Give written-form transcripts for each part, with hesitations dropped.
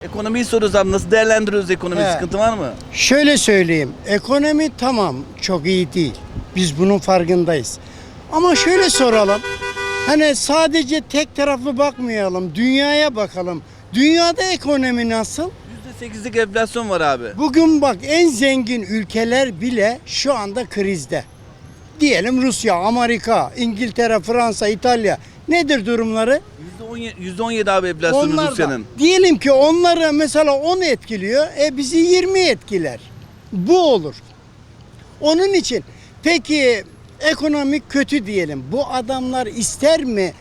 Ekonomiyi soruyoruz abi. Nasıl değerlendiriyoruz ekonomiyi? He. Sıkıntı var mı? Şöyle söyleyeyim, ekonomi tamam çok iyi değil. Biz bunun farkındayız. Ama şöyle soralım, hani sadece tek taraflı bakmayalım, dünyaya bakalım. Dünyada ekonomi nasıl? %8'lik enflasyon var abi. Bugün bak en zengin ülkeler bile şu anda krizde. Diyelim Rusya, Amerika, İngiltere, Fransa, İtalya. Nedir durumları? %17 abi enflasyonu Onlar da Rusya'nın. diyelim ki onları mesela 10 etkiliyor, bizi 20 etkiler. Bu olur. Onun için peki ekonomi kötü diyelim. Bu adamlar ister mi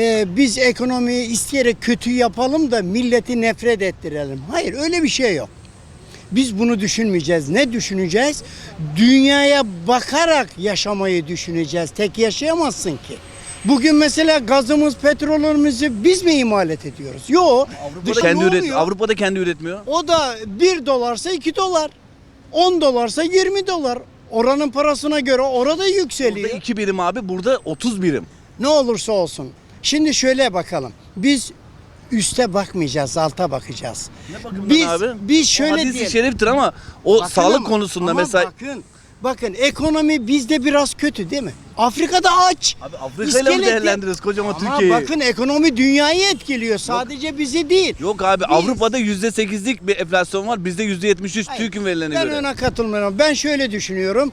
biz ekonomiyi isteyerek kötü yapalım da milleti nefret ettirelim? Hayır, öyle bir şey yok. Biz bunu düşünmeyeceğiz. Ne düşüneceğiz? Dünyaya bakarak yaşamayı düşüneceğiz. Tek yaşayamazsın ki. Bugün mesela gazımız, petrolümüzü biz mi imalat ediyoruz? Yok. Avrupa'da kendi üretmiyor. O da 1 dolarsa 2 dolar. 10 dolarsa 20 dolar. Oranın parasına göre orada yükseliyor. Burada 2 birim abi, burada 30 birim. Ne olursa olsun. Şimdi şöyle bakalım. Biz üste bakmayacağız, alta bakacağız. Ne bakımdan Biz, abi? biz şöyle o hadis-i diyelim. şeriftir ama o Bakın sağlık ama- konusunda ama mesela. Bakın ekonomi bizde biraz kötü değil mi? Afrika'da aç. Abi Afrika'yla mı İskeleti- değerlendiriyoruz kocaman Ama Türkiye'yi? bakın ekonomi dünyayı etkiliyor. Sadece bizi değil. Yok abi, Biz- Avrupa'da %8'lik bir enflasyon var. Bizde %73 Hayır, TÜİK'in verilerine ben göre. ona katılmıyorum. Ben şöyle düşünüyorum.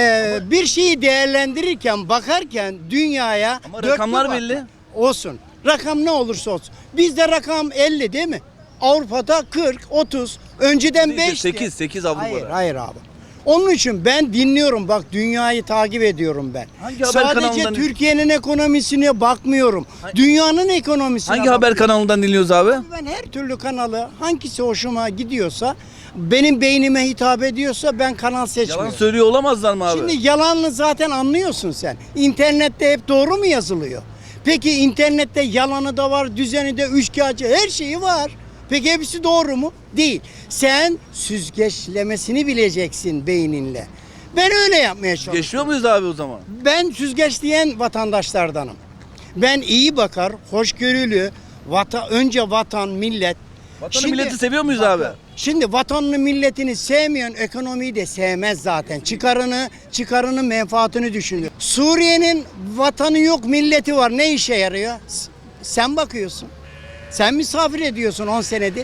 Bir şeyi değerlendirirken, bakarken dünyaya... Ama dörtlü rakamlar bak. belli. Olsun. Rakam ne olursa olsun. Bizde rakam 50 değil mi? Avrupa'da 40, 30. Önceden 5'ti. 8 Avrupa'da. Hayır abi. Onun için ben dinliyorum, bak dünyayı takip ediyorum ben. Hangi haber Sadece kanalından- Türkiye'nin ekonomisine bakmıyorum. Dünyanın ekonomisine Hangi haber bakıyorum. kanalından dinliyoruz abi? Ben her türlü kanalı hangisi hoşuma gidiyorsa, benim beynime hitap ediyorsa ben kanal seçmiyorum. Yalan söylüyor olamazlar mı abi? Şimdi yalanını zaten anlıyorsun sen. İnternette hep doğru mu yazılıyor? Peki internette yalanı da var, düzeni de, üçkağıtçı, her şeyi var. Peki hepsi doğru mu? Değil. Sen süzgeçlemesini bileceksin beyninle. Ben öyle yapmaya çalışıyorum. Geçiyor muyuz abi o zaman? Ben süzgeçleyen vatandaşlardanım. Ben iyi bakar, hoşgörülü, önce vatan, millet. Vatanı milleti seviyor muyuz abi? Şimdi vatanını milletini sevmeyen ekonomiyi de sevmez zaten. Çıkarını menfaatini düşünüyor. Suriye'nin vatanı yok, milleti var. Ne işe yarıyor? Sen bakıyorsun. Sen misafir ediyorsun 10 senedir.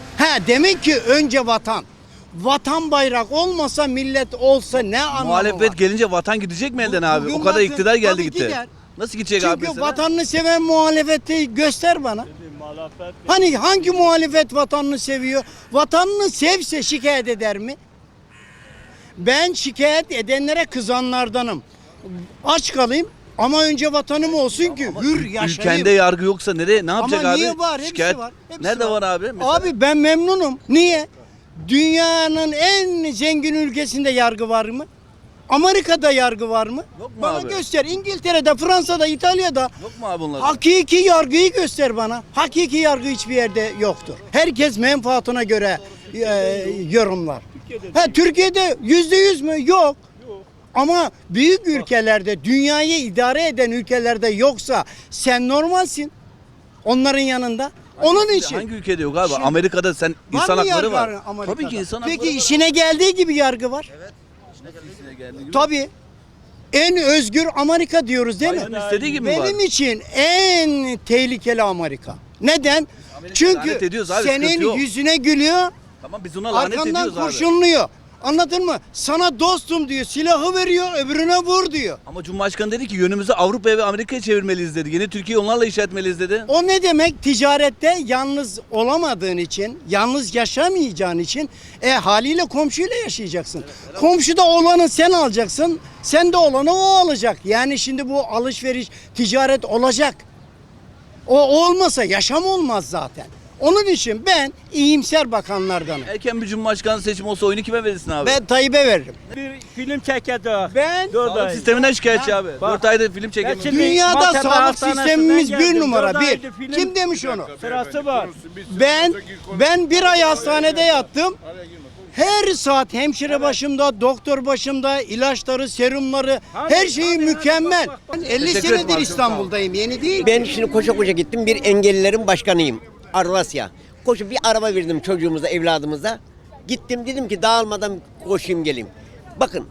Demek ki önce vatan. Vatan bayrak olmasa, millet olsa ne anlamı Muhalefet var? gelince vatan gidecek mi elden abi? Bugün O kadar bakın, iktidar geldi tabii gitti. gider. Nasıl gidecek abi Çünkü mesela? vatanını seven muhalefeti göster bana. Hani hangi muhalefet vatanını seviyor? Vatanını sevse şikayet eder mi? Ben şikayet edenlere kızanlardanım. Aç kalayım ama önce vatanım olsun ki hür yaşayayım. Ülkende yargı yoksa ne yapacak Ama abi? niye var? Hepsi Şikayet. var. Hepsi Nerede var abi? Mesela? Abi ben memnunum. Niye? Dünyanın en zengin ülkesinde yargı var mı? Amerika'da yargı var mı? Yok mu Bana abi? göster. İngiltere'de, Fransa'da, İtalya'da. Yok mu abi bunlar? Hakiki yargıyı göster bana. Hakiki yargı hiçbir yerde yoktur. Herkes menfaatine göre yorumlar. Türkiye'de %100 mü? Yok. Ama büyük ülkelerde, dünyayı idare eden ülkelerde yoksa sen normalsin. Onların yanında. Onun için. Hangi ülkede yok abi? Şimdi- Amerika'da sen Var insan mı hakları yargı var. Amerika'da? Tabii ki insan hakları Peki var. işine geldiği gibi yargı var. Tabii. En özgür Amerika diyoruz değil mi? Hayvanın istediği gibi mi var? Benim için en tehlikeli Amerika. Neden? lanet Çünkü ediyoruz abi, sıkıntı senin yok. yüzüne gülüyor, Tamam, biz ona lanet arkandan ediyoruz abi. kurşunluyor. Anladın mı? Sana dostum diyor, silahı veriyor, öbürüne vur diyor. Ama Cumhurbaşkanı dedi ki yönümüzü Avrupa'ya ve Amerika'ya çevirmeliyiz dedi. Yeni Türkiye'yi onlarla inşa etmeliyiz dedi. O ne demek? Ticarette yalnız olamadığın için, yalnız yaşamayacağın için haliyle komşuyla yaşayacaksın. Komşuda olanı sen alacaksın, sen de olanı o alacak. Yani şimdi bu alışveriş, ticaret olacak. O olmasa yaşam olmaz zaten. Onun için ben iyimser bakanlardanım. Erken bir Cumhurbaşkanı seçimi olsa oyunu kime verirsin abi? Ben Tayyip'e veririm. Bir film çekeceğiz. Ben Dört Sağlık ay. sisteminden şikayetçi abi. Bak. 4 aydır film çekemiyor. Şimdi dünyada Maltepe sağlık Hastanesi'nden sistemimiz bir geldim. numara, Dört bir. aydır film Kim demiş onu? Sırası var. Ben bir ay hastanede yattım. Her saat hemşire başımda, doktor başımda, ilaçları, serumları, her şeyi mükemmel. Ben 50 Teşekkür ederim senedir abi, çok sağ ol. İstanbul'dayım, yeni değil. Ben şimdi koşa koşa gittim, bir engellilerin başkanıyım. Arvasya. Koşup bir araba verdim çocuğumuza, evladımıza. Gittim dedim ki dağılmadan koşayım geleyim. Bakın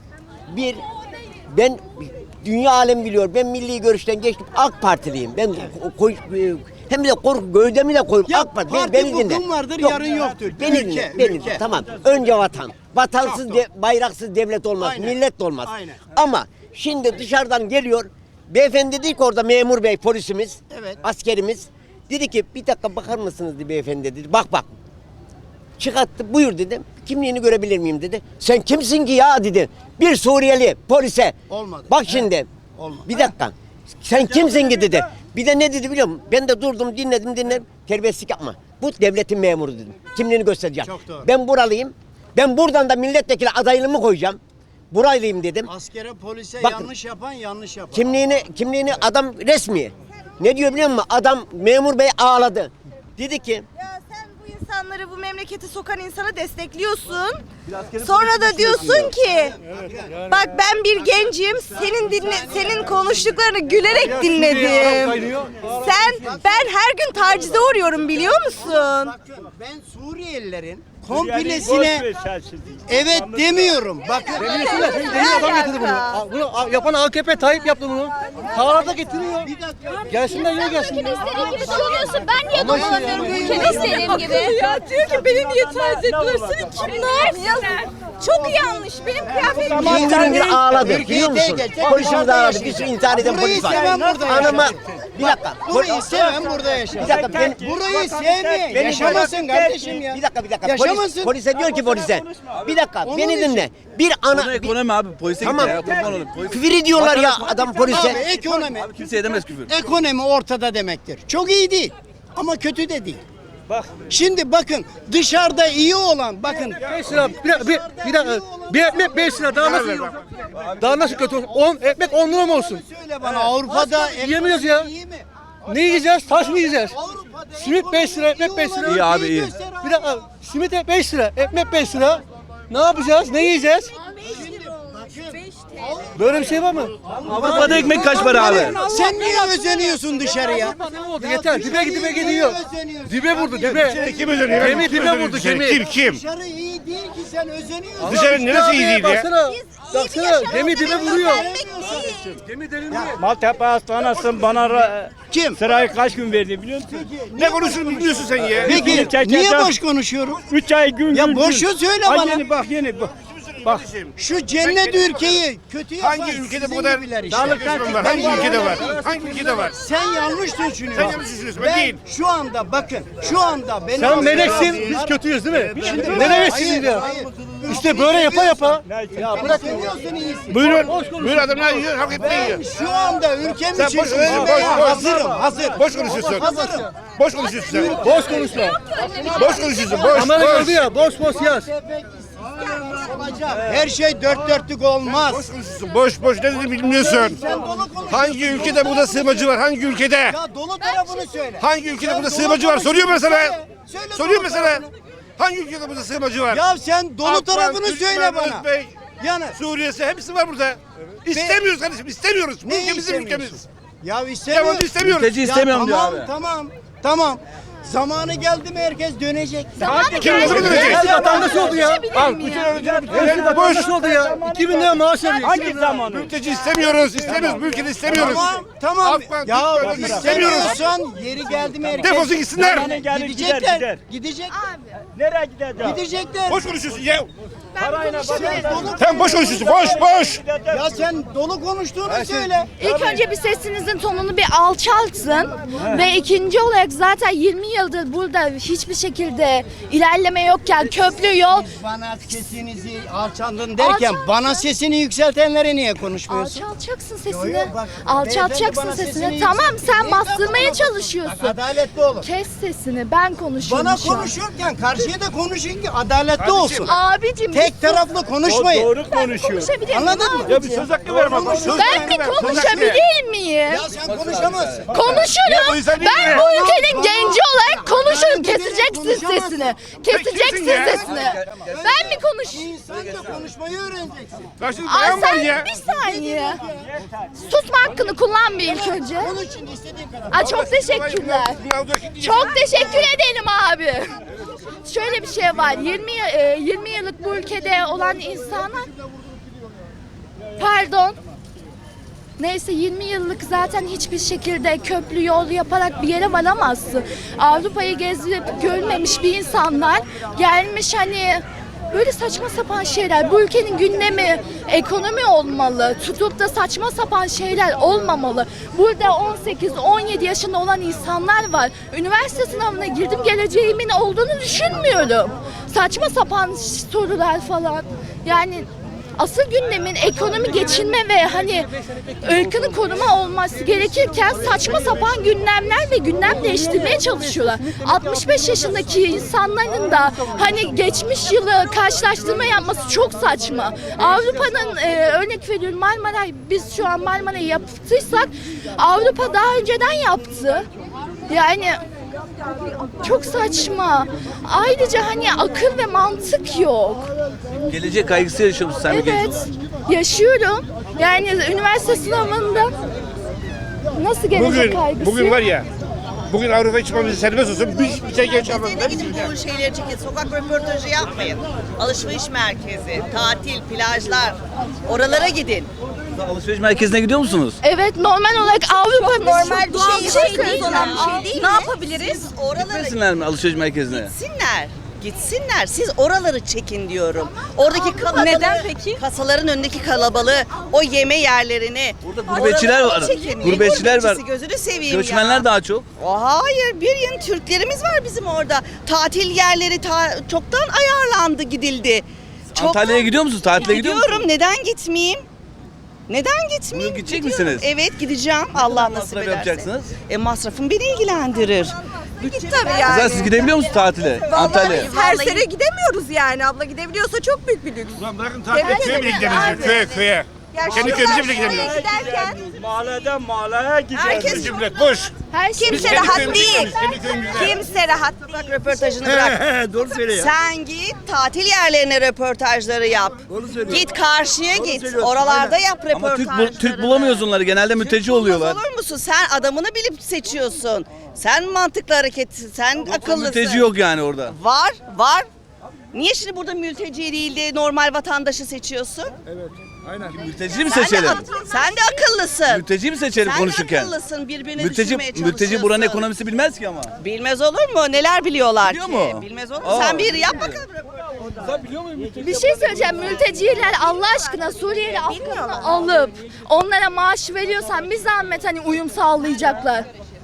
ben dünya alem biliyor. Ben milli görüşten geçtim. AK Partiliyim. Ben hem de gövdemi de koyup Ya AK Parti. parti Beni bugün dinle. vardır, Yok, yarın yoktur. Beni Ülke, dinle. Beni ülke. dinle. Tamam. Önce vatan. Vatansız, Çok doğru. bayraksız devlet olmaz. Aynen. Millet de olmaz. Aynen. Ama şimdi dışarıdan geliyor. Beyefendi dedi ki orada memur bey, polisimiz, Evet. askerimiz. Dedi ki bir dakika bakar mısınız dedi beyefendi dedi. Bak. Çıkarttı, buyur dedim. Kimliğini görebilir miyim dedi. Sen kimsin ki ya dedi. Bir Suriyeli polise. Olmadı. Bak şimdi. Olmadı. Bir dakika. Sen kimsin ki dedi. Bir de ne dedi biliyor musun? Ben de durdum dinledim. Terbiyesizlik yapma. Bu devletin memuru dedim. Kimliğini göstereceğim. Çok doğru. Ben buralıyım. Ben buradan da milletvekili adaylığımı koyacağım. Buralıyım dedim. Askere, polise Bakın. yanlış yapan yanlış yapar. Kimliğini adam resmi. Ne diyor biliyor musun? Adam memur bey ağladı. Dedi ki Ya sen bu insanları bu memlekete sokan insanı destekliyorsun. Sonra da diyorsun ki bak ben bir gencim. Senin konuştuklarını gülerek dinledim. Ben her gün tacize uğruyorum biliyor musun? Bakın ben Suriyelilerin Boş komplesine ver sen şimdi. evet demiyorum. Bakın Deli adam getirdi bunu. Bunu yapan AKP Tayyip yaptı bunu. Sağlarda getiriyor. bir dakika. Gelsinler niye gelsinler? İstediğin gibi söylüyorsun. Ben niye dolanıyorum ülkemi istediğim gibi? Ya diyor ki beni niye taciz ettiler? Seni kimler? Çok yanlış. Benim kıyafetim hüngür ağladı. Ülkeyi Biliyor musun? tek el, Polisimiz orada ağladı. yaşayacak. Bir sürü intihar eden Burayı polis var. seven burada Anama yaşar. bir dakika. Burayı seven burada yaşar. Bir dakika ben Burayı sevmeyen Beni yaşamasın dinle. kardeşim ya. Bir dakika. Yaşamasın. Polise diyor ki polise. Bir dakika Onun beni için. dinle. Bir Konu ana ekonomi abi. Polise Tamam. gitti ya. Kurban olayım. Polis- küfür ediyorlar ya adam Abi polise. ekonomi. Abi kimse edemez küfür. Ekonomi ortada demektir. Çok iyi değil ama kötü de değil. Bak. Şimdi bakın dışarıda iyi olan bakın 5 lira bir ekmek 5 lira daha nasıl daha nasıl kötü olsun? 10 ekmek 10 lira mı olsun? söyle bana Avrupa'da Yiyemiyoruz ya. iyi mi? Ne yiyeceğiz? Taş mı yiyeceğiz? Avrupa'da Simit 5 lira, ekmek 5 lira. İyi abi, iyi. Bir dakika simit 5 lira, ekmek 5 lira. Ne yapacağız? Ne yiyeceğiz? Böyle bir şey var mı? Avrupa'da ekmek kaç para abi? Sen niye özeniyorsun dışarıya? Ne oldu? Yeter. Dibe gidiyor. Dibe vurdu dibe. Kim özeniyor? Gemi dibe vurdu gemi. Kim? Dışarı iyi değil ki sen özeniyorsun. Dışarı neresi iyi değil ya? Baksana gemi dibe vuruyor. değil. Gemi deliniyor. Maltepe Hastanesi'nin bana Kim? sırayı kaç gün verdi biliyor musun? Ne konuşuyorsun bilmiyorsun sen ya? Peki Çekeceğim. niye boş konuşuyorum? 3 ay gün Ya gün. boşu söyle Ay bana. Yeni bak yeni bak. Bak. Şu cennet ülkeyi kötü yapan Hangi ülkede bu sizin kadar gibiler işte. düşman var? Hangi ülkede var? Hangi ülkede var? Sen yanlış düşünüyorsun. Sen yanlış düşünüyorsun, ben değil. Şu anda bakın şu anda benim Sen meleksin, biz kötüyüz değil mi? Ne demeksiniz ya? İşte böyle yapa. Ya bırakın ya. iyisin. Buyurun. Buyurun adamlar yiyor, hak etmeyi yiyor. Şu anda ülkem Sen için boş konuşuyorsun, ölmeye boş. hazırım. Hazır. Boş konuşuyorsun. Hazırım. Boş konuşuyorsun sen. Boş konuşma. Boş konuşuyorsun, boş, Kamera boş. gördü ya, boş yaz. Her şey dört dörtlük olmaz. Boş konuşuyorsun, boş ne dediğini bilmiyorsun. Sen dolu konuşuyorsun. Hangi ülkede burada sığınmacı var? Hangi ülkede? Ya dolu tarafını söyle. Hangi ülkede Sen burada dolu sığınmacı var? Soruyor mesela. Söyle Soruyor dolu mesela. tarafını. Hangi ülkede burada sığınmacı var? Ya sen dolu Afgan, tarafını Türkmen, söyle bana. Özbek, Yani Suriyesi hepsi var burada. İstemiyoruz kardeşim, istemiyoruz. Bu ne ülke bizim istemiyorsun? ülkemiz. Ya istemiyorum. Yabancı istemiyoruz. Mülteci istemiyorum diyor tamam, abi. Tamam. Zamanı geldi mi herkes dönecek. Kim ne zaman dönecek? Hepsi vatandaş oldu ya. Al bütün öğrenciler Hepsi vatandaş oldu ya. 2000 lira maaş alıyor. Hangi zamanı? mülteci istemiyoruz. İstemiyoruz. Bu ülkede istemiyoruz. Tamam. Afgan, Ya Türkmen, istemiyoruz. istemiyorsan yeri geldi mi herkes Defolsun gitsinler. Zamanı geldi, gidecekler. gider. Gidecek. Nereye gideceğim? Gidecekler. Boş konuşuyorsun ya. Parayla bakın. Sen boş konuşuyorsun. Boş. Ya sen dolu konuştuğunu söyle. İlk önce bir sesinizin tonunu bir alçaltın ve ikinci olarak zaten 20 yıldır burada hiçbir şekilde ilerleme yokken köprü yol Bana sesinizi alçaldın derken Alçalt- bana sesini yükseltenlere niye konuşmuyorsun? alçaltacaksın Yo, sesini. yo, bak, Alçaltacaksın beyefendi bana sesini. sesini Tamam yükselt- sen Neyi bastırmaya bak, çalışıyorsun. adaletli olun. Kes sesini. Ben konuşuyorum Bana şu an. konuşurken karşıya da konuşun ki adaletli olsun. Abicim Tek taraflı konuşmayın. Doğru konuşuyor. konuşabilir miyim Anladın mı? abicim? Ya bir söz hakkı ver bak. Ben bir konuşabilir miyim? Ya sen konuşamazsın. Konuşurum. bu insan değil Ben mi? bu ülkenin genci olarak konuşurum. Ben Keseceksin konuşamazsın. sesini. Keseceksin kimsin ya? sesini. Ben mi konuş? İnsan da konuşmayı öğreneceksin. Karşında Aa, bayan var sen ya. bir saniye. Susma hakkını kullan bir ilk önce. Konuşun istediğin kadar. Aa, çok teşekkürler. Çok teşekkür ederim abi. Şöyle bir şey var. 20 yıllık bu ülkede olan insanlar, pardon. Neyse 20 yıllık zaten hiçbir şekilde köprü yol yaparak bir yere varamazsın. Avrupa'yı gezip görmemiş bir insanlar gelmiş hani böyle saçma sapan şeyler. Bu ülkenin gündemi ekonomi olmalı. Tutup da saçma sapan şeyler olmamalı. Burada 18-17 yaşında olan insanlar var. Üniversite sınavına girdim, geleceğimin olduğunu düşünmüyorum. Saçma sapan sorular falan. Yani asıl gündemin ekonomi, geçinme ve hani ırkını koruma olması gerekirken saçma sapan gündemler ve gündem değiştirmeye çalışıyorlar. 65 yaşındaki insanların da hani geçmiş yılı karşılaştırma yapması çok saçma. Avrupa'nın örnek veriyorum Marmaray, biz şu an Marmaray'ı yaptıysak Avrupa daha önceden yaptı. Yani çok saçma. Ayrıca hani akıl ve mantık yok. Gelecek kaygısı yaşıyor musun sen bir genç Evet, olarak? yaşıyorum. Yani üniversite sınavında nasıl gelecek kaygısı? Bugün var ya. Bugün Avrupa çıkmamızı serbest olsun. Bir şey geç almam. Siz de gidin bu şeyleri çekin. Sokak röportajı yapmayın. Alışveriş merkezi, tatil, plajlar. Oralara gidin. Alışveriş merkezine gidiyor musunuz? Evet, normal olarak Avrupa'nın Normal bir şey değil. olan bir şey değil. Ne yapabiliriz? Oralara Gitmesinler mi alışveriş merkezine? gitsinler. Gitsinler. Siz oraları çekin diyorum. Oradaki kalabalığı, Neden peki? kasaların önündeki kalabalığı, o yeme yerlerini. Burada gurbetçiler oraları var. çekin. Gurbetçiler var. Gurbetçisi, gözünü seveyim Göçmenler ya. daha çok. Hayır, bir yeni Türklerimiz var bizim orada. Tatil yerleri çoktan ayarlandı, gidildi. Antalya'ya gidiyor musunuz? Tatile gidiyor musunuz? Gidiyorum. Neden gitmeyeyim? Neden gitmeyeyim? Bugün gidecek Gidiyorum. misiniz? Evet, gideceğim. Allah nasip masraf ederse. yapacaksınız? Masrafım beni ilgilendirir. Tabii yani. Kızlar siz gidebiliyor musunuz tatile? Antalya'ya. Her sene gidemiyoruz yani. Abla gidebiliyorsa çok büyük bir lüks. Ulan bırakın tatile köye bile gidemiyoruz. Köye. Kendi köyümüze bile gidemiyoruz. Giderken Mahalleden mahalleye gidiyor. herkes Bizim millet boş. Her şey kimse kendi rahat köyümüze değil. gidiyoruz, kendi köyümüze. Kimse rahat değil. Bak röportajını bırak. Doğru söylüyor ya. Sen git tatil yerlerine röportajları yap. Git karşıya git. Oralarda yap Ama röportajları. Türk bulamıyoruz onları. Genelde mülteci oluyorlar. Olur musun? Sen adamını bilip seçiyorsun. Sen mantıklı hareket, sen akıllısın. Mülteci yok yani orada. Var. Niye şimdi burada mülteci değil de normal vatandaşı seçiyorsun? Mülteci mi seçelim? Sen de akıllısın. Mülteci mi seçelim Sen konuşurken? de akıllısın. Birbirini Mülteci düşürmeye çalışıyorsun. mülteci buranın ekonomisi bilmez ki ama. Bilmez olur mu? Neler biliyorlar Biliyor ki? mu? Bilmez olur mu? Aa. Sen bir yap bakalım. bir şey söyleyeceğim. Mülteciler Allah aşkına Suriyeli Afgan'ı alıp onlara maaş veriyorsan bir zahmet hani uyum sağlayacaklar.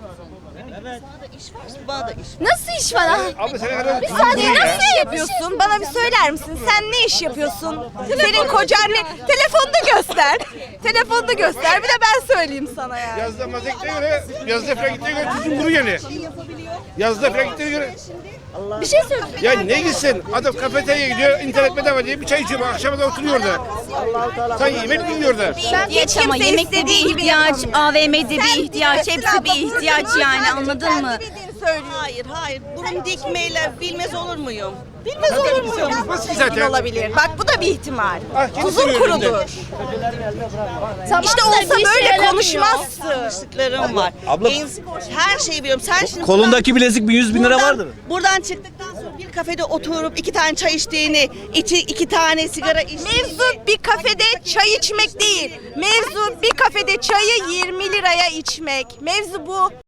Bana da iş. Nasıl iş var ha? Abi sen kadar Bir saniye Nasıl iş yapıyorsun? Bana bir söyler misin? Sen ne iş yapıyorsun? Senin kocan ne? Telefonda göster. Telefonda göster. Bir de ben söyleyeyim sana yani. yazda mazekte göre, yazda falan gittiğine göre tuzun kuru yani. Yazda falan gittiğine göre. Bir şey söyleyeceğim. Ya ne gitsin? Adam kafeteryaya gidiyor, internet bedava diye bir çay içiyor. Akşama da oturuyor orada. Sen yemek mi yiyor orada? Hiç ama yemek de bir ihtiyaç, AVM'de bir ihtiyaç, hepsi bir ihtiyaç yani anladın mı? Hayır. Burun dikmeyle bilmez olur muyum? Bilmez olur muyum? Nasıl ki zaten? Olabilir. Bak bu da bir ihtimal. Ah, kendi Tuzun söylüyor önünde. kurulur. Tamam İşte da olsa bir işe böyle yaramıyor. konuşmazsın. Yanlışlıklarım var. abla- Her şeyi biliyorum. Sen şimdi Kolundaki bilezik bir 100 bin lira buradan- vardır. Buradan çıktıktan sonra bir kafede oturup 2 tane çay içtiğini, 2 tane sigara içtiğini. Mevzu bir kafede çay içmek değil. Mevzu bir kafede çayı 20 liraya içmek. Mevzu bu.